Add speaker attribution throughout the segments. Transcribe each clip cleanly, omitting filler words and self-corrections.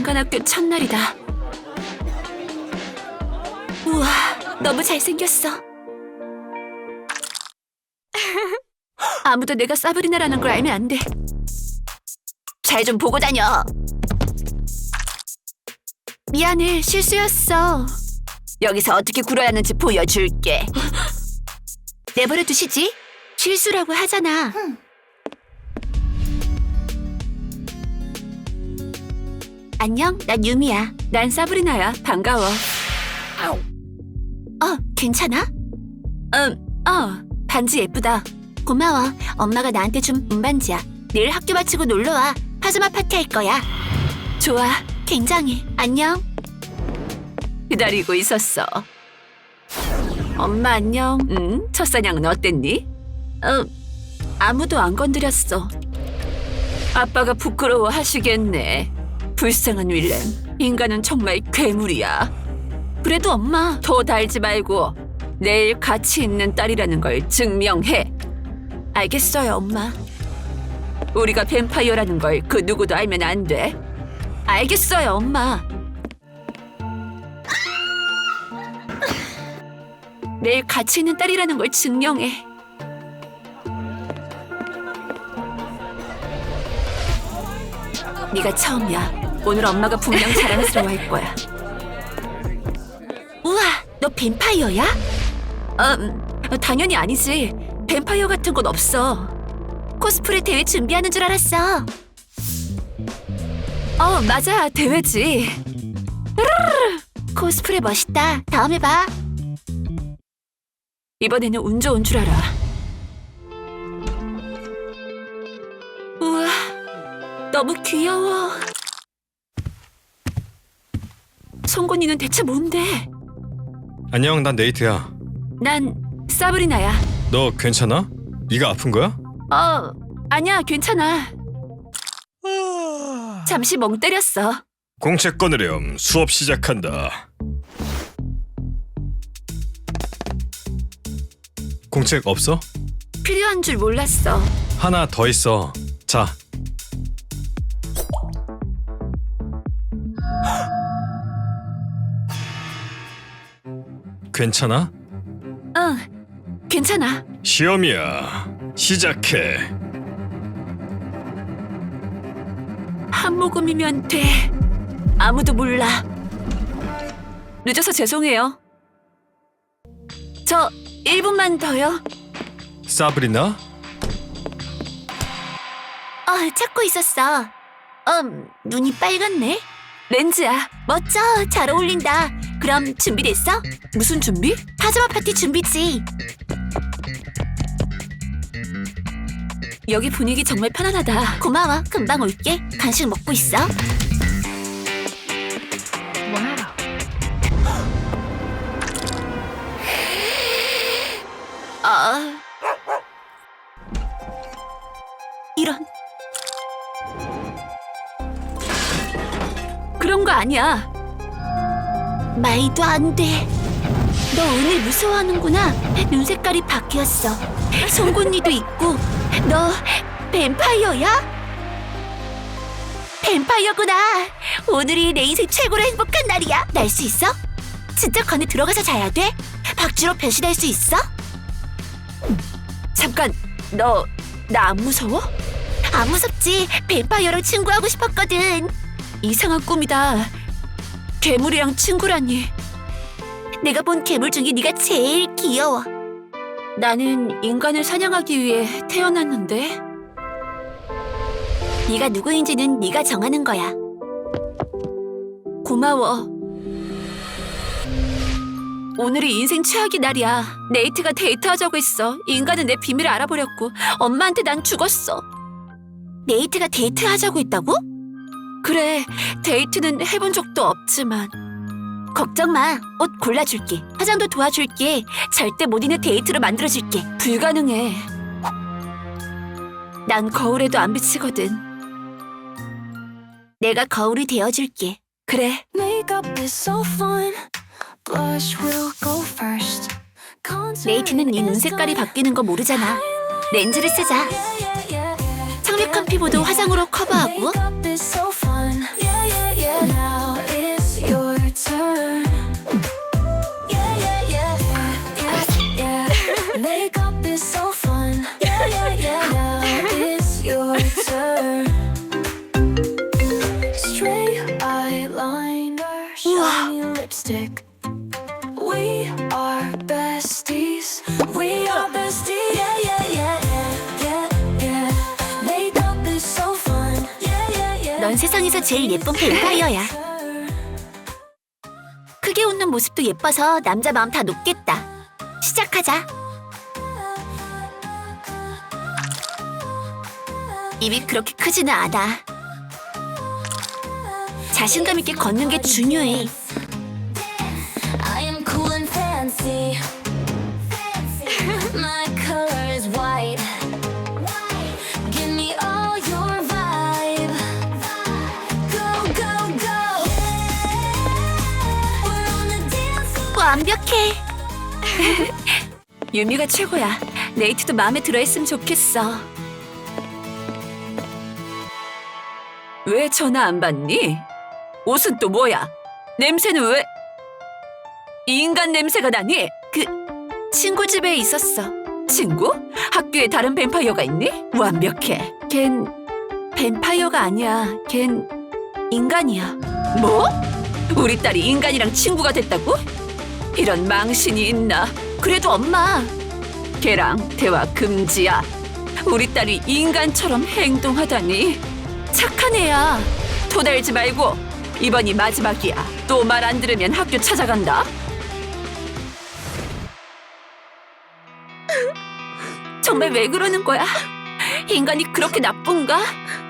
Speaker 1: 인간학교 첫날이다. 우와, 너무 잘생겼어. 아무도 내가 사브리나라는 걸 알면 안 돼. 잘 좀 보고 다녀. 미안해, 실수였어. 여기서 어떻게 굴어야 하는지 보여줄게. 내버려 두시지. 실수라고 하잖아. 안녕, 난 유미야. 난 사브리나야. 반가워. 괜찮아? 반지 예쁘다. 고마워. 엄마가 나한테 준 운반지야. 내일 학교 마치고 놀러와. 파자마 파티 할 거야. 좋아, 굉장히. 안녕. 기다리고 있었어. 엄마 안녕. 첫 사냥은 어땠니? 아무도 안 건드렸어. 아빠가 부끄러워 하시겠네. 불쌍한 윌렘. 인간은 정말 괴물이야. 그래도 엄마, 더 달지 말고 내일 가치 있는 딸이라는 걸 증명해. 알겠어요, 엄마. 우리가 뱀파이어라는 걸 그 누구도 알면 안 돼. 알겠어요, 엄마. 내일 가치 있는 딸이라는 걸 증명해. 네가 처음이야. 오늘 엄마가 분명 자랑스러워할 거야. 우와, 너 뱀파이어야? 당연히 아니지. 뱀파이어 같은 건 없어. 코스프레 대회 준비하는 줄 알았어. 맞아, 대회지. 코스프레 멋있다. 다음에 봐. 이번에는 운 좋은 줄 알아. 우와, 너무 귀여워. 송곳니는 대체 뭔데?
Speaker 2: 안녕, 난 네이트야.
Speaker 1: 난 사브리나야.
Speaker 2: 너 괜찮아? 네가 아픈 거야?
Speaker 1: 아니야, 괜찮아. 잠시 멍 때렸어.
Speaker 2: 공책 꺼내렴. 수업 시작한다. 공책 없어?
Speaker 1: 필요한 줄 몰랐어.
Speaker 2: 하나 더 있어. 자. 괜찮아?
Speaker 1: 응, 괜찮아.
Speaker 2: 시험이야. 시작해.
Speaker 1: 한 모금이면 돼. 아무도 몰라. 늦어서 죄송해요. 저 1분만 더요.
Speaker 2: 사브리나?
Speaker 1: 찾고 있었어. 눈이 빨갛네. 렌즈야. 멋져. 잘 어울린다. 그럼 준비됐어? 무슨 준비? 파자마 파티 준비지. 여기 분위기 정말 편안하다. 고마워. 금방 올게. 간식 먹고 있어. 이런. 그런 거 아니야. 말도 안 돼. 너 오늘 무서워하는구나. 눈 색깔이 바뀌었어. 송곳니도 있고. 너 뱀파이어야? 뱀파이어구나. 오늘이 내 인생 최고로 행복한 날이야. 날 수 있어? 진짜 건에 들어가서 자야 돼? 박쥐로 변신할 수 있어? 잠깐, 너 나 안 무서워? 안 무섭지. 뱀파이어랑 친구하고 싶었거든. 이상한 꿈이다. 괴물이랑 친구라니. 내가 본 괴물 중에 네가 제일 귀여워. 나는 인간을 사냥하기 위해 태어났는데. 네가 누구인지는 네가 정하는 거야. 고마워. 오늘이 인생 최악의 날이야. 네이트가 데이트하자고 했어. 인간은 내 비밀을 알아버렸고 엄마한테 난 죽었어. 네이트가 데이트하자고 했다고? 그래, 데이트는 해본 적도 없지만. 걱정 마. 옷 골라줄게. 화장도 도와줄게. 절대 못 잊는 데이트로 만들어줄게. 불가능해. 난 거울에도 안 비치거든. 내가 거울이 되어줄게. 그래. 네이트는 네 눈 색깔이 바뀌는 거 모르잖아. 렌즈를 쓰자. 창백한 피부도 화장으로 커버하고.
Speaker 3: stick. We are besties. We are besties. Yeah, yeah, yeah, yeah, yeah, yeah. Made up is so fun. Yeah, yeah, yeah.
Speaker 4: 넌 세상에서 제일 예쁜 뱀파이어야. 크게 웃는 모습도 예뻐서 남자 마음 다 녹겠다. 시작하자. 입이 그렇게 크지는 않아. 자신감 있게 걷는 게 중요해.
Speaker 3: I am cool and fancy. My color is white. Give me all your vibe. Go, go, go. We're on the dance floor.
Speaker 4: 완벽해.
Speaker 1: 유미가 최고야. 네이트도 마음에 들어했으면 좋겠어. 왜 전화 안 받니? 옷은 또 뭐야? 냄새는 왜? 이 인간 냄새가 나니?
Speaker 4: 친구 집에 있었어.
Speaker 1: 친구? 학교에 다른 뱀파이어가 있니? 완벽해. 걘 뱀파이어가 아니야. 걘 인간이야. 뭐? 우리 딸이 인간이랑 친구가 됐다고? 이런 망신이 있나?
Speaker 4: 그래도 엄마.
Speaker 1: 걔랑 대화 금지야. 우리 딸이 인간처럼 행동하다니. 착한 애야. 토달지 말고 이번이 마지막이야. 또 말 안 들으면 학교 찾아간다. 정말 왜 그러는 거야? 인간이 그렇게 나쁜가?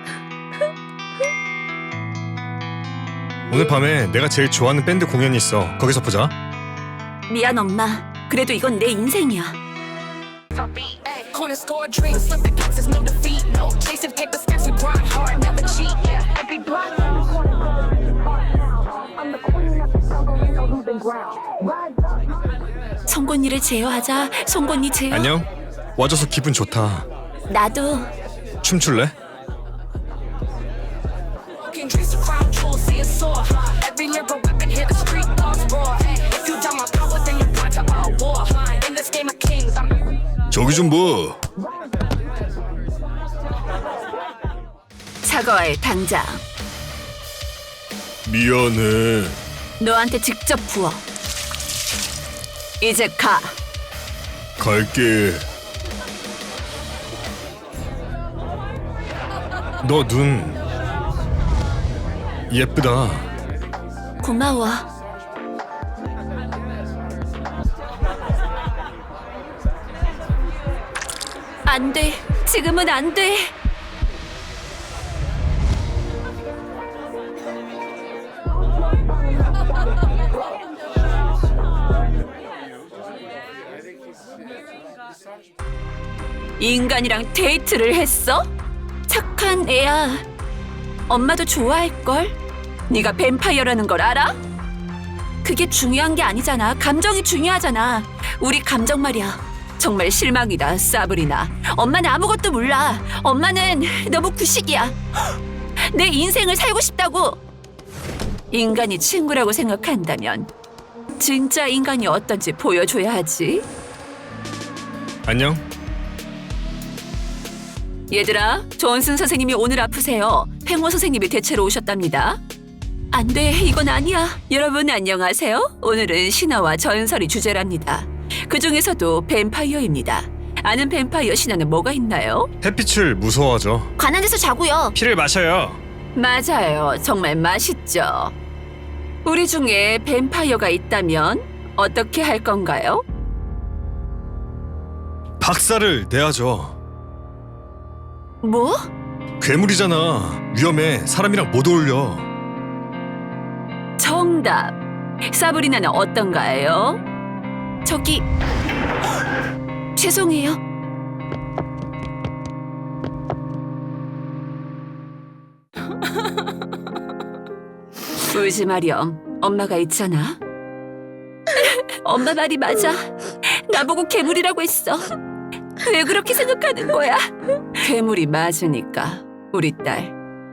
Speaker 2: 오늘 밤에 내가 제일 좋아하는 밴드 공연이 있어. 거기서 보자.
Speaker 1: 미안 엄마. 그래도 이건 내 인생이야.
Speaker 5: Corner store drinks, slip the cups, there's no defeat. No chasing paper steps, we grind hard, never cheat. Yeah, every block. I'm the queen of the jungle, you know who's been ground.
Speaker 1: 송곳니를 제어하자. 송곳니 제어.
Speaker 2: 안녕. 와줘서 기분 좋다.
Speaker 4: 나도.
Speaker 2: 춤출래?
Speaker 5: Walking dreams to crown jewels, see it soar. Every lyrical weapon, hear the street dogs roar. If you doubt my power, then you're blind to our war. In this game of kings, I'm
Speaker 2: 저기 좀 뭐.
Speaker 1: 사과해 당장.
Speaker 2: 미안해.
Speaker 1: 너한테 직접 부어. 이제 가.
Speaker 2: 갈게. 너 눈 예쁘다.
Speaker 4: 고마워.
Speaker 1: 안 돼. 지금은 안 돼. 인간이랑 데이트를 했어? 착한 애야. 엄마도 좋아할걸? 네가 뱀파이어라는 걸 알아? 그게 중요한 게 아니잖아. 감정이 중요하잖아. 우리 감정 말이야. 정말 실망이다, 사브리나. 엄마는 아무것도 몰라. 엄마는 너무 구식이야. 내 인생을 살고 싶다고. 인간이 친구라고 생각한다면 진짜 인간이 어떤지 보여줘야 하지.
Speaker 2: 안녕.
Speaker 1: 얘들아, 존슨 선생님이 오늘 아프세요. 팽호 선생님이 대체로 오셨답니다. 안 돼, 이건 아니야. 여러분 안녕하세요. 오늘은 신화와 전설이 주제랍니다. 그 중에서도 뱀파이어입니다. 아는 뱀파이어 신화는 뭐가 있나요?
Speaker 2: 햇빛을 무서워하죠.
Speaker 4: 관한 데서 자고요.
Speaker 2: 피를 마셔요.
Speaker 1: 맞아요. 정말 맛있죠. 우리 중에 뱀파이어가 있다면 어떻게 할 건가요?
Speaker 2: 박살을 내야죠.
Speaker 1: 뭐?
Speaker 2: 괴물이잖아. 위험해. 사람이랑 못 어울려.
Speaker 1: 정답. 사브리나는 어떤가요?
Speaker 4: 저기 죄송해요.
Speaker 1: 울지 마렴. 엄마가 있잖아. 엄마 말이 맞아. 나보고 괴물이라고 했어. 왜 그렇게 생각하는 거야? 괴물이 맞으니까, 우리 딸.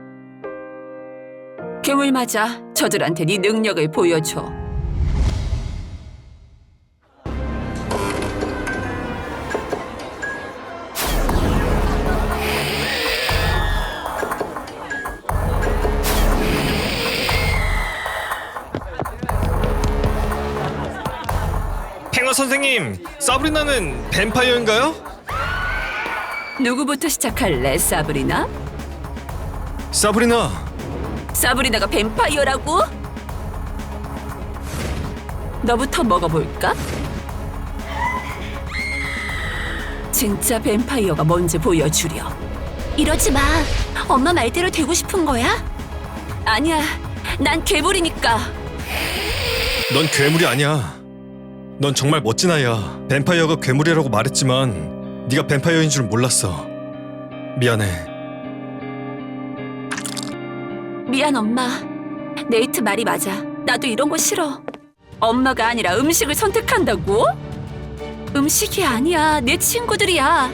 Speaker 1: 괴물 맞아. 저들한테 네 능력을 보여줘.
Speaker 2: 선생님, 사브리나는 뱀파이어인가요?
Speaker 1: 누구부터 시작할래, 사브리나?
Speaker 2: 사브리나,
Speaker 1: 사브리나가 뱀파이어라고? 너부터 먹어볼까? 진짜 뱀파이어가 뭔지 보여주려.
Speaker 4: 이러지 마. 엄마 말대로 되고 싶은 거야?
Speaker 1: 아니야, 난 괴물이니까.
Speaker 2: 넌 괴물이 아니야. 넌 정말 멋진 아이야. 뱀파이어가 괴물이라고 말했지만 네가 뱀파이어인 줄 몰랐어. 미안해.
Speaker 1: 미안, 엄마. 네이트 말이 맞아. 나도 이런 거 싫어. 엄마가 아니라 음식을 선택한다고? 음식이 아니야. 내 친구들이야.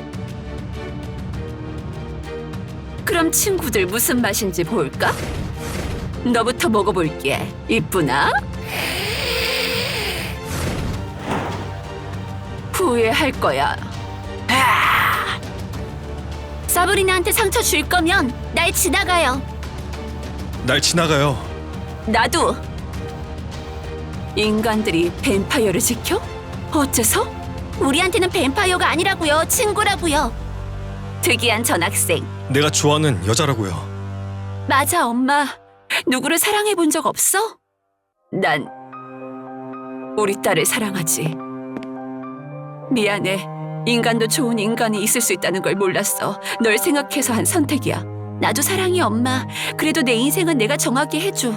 Speaker 1: 그럼 친구들 무슨 맛인지 볼까? 너부터 먹어볼게. 이쁘나? 후회할 거야.
Speaker 4: 사브리나한테 상처 줄 거면 날 지나가요.
Speaker 2: 날 지나가요.
Speaker 1: 나도. 인간들이 뱀파이어를 지켜? 어째서?
Speaker 4: 우리한테는 뱀파이어가 아니라고요. 친구라고요.
Speaker 1: 특이한 전학생.
Speaker 2: 내가 좋아하는 여자라고요.
Speaker 1: 맞아, 엄마. 누구를 사랑해 본 적 없어? 난 우리 딸을 사랑하지. 미안해. 인간도 좋은 인간이 있을 수 있다는 걸 몰랐어. 널 생각해서 한 선택이야.
Speaker 4: 나도 사랑해, 엄마. 그래도 내 인생은 내가 정하게 해줘.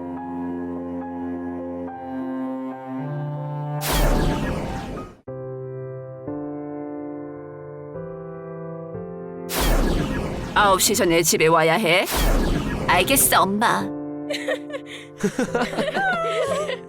Speaker 1: 아홉 시 전에 집에 와야 해.
Speaker 4: 알겠어, 엄마.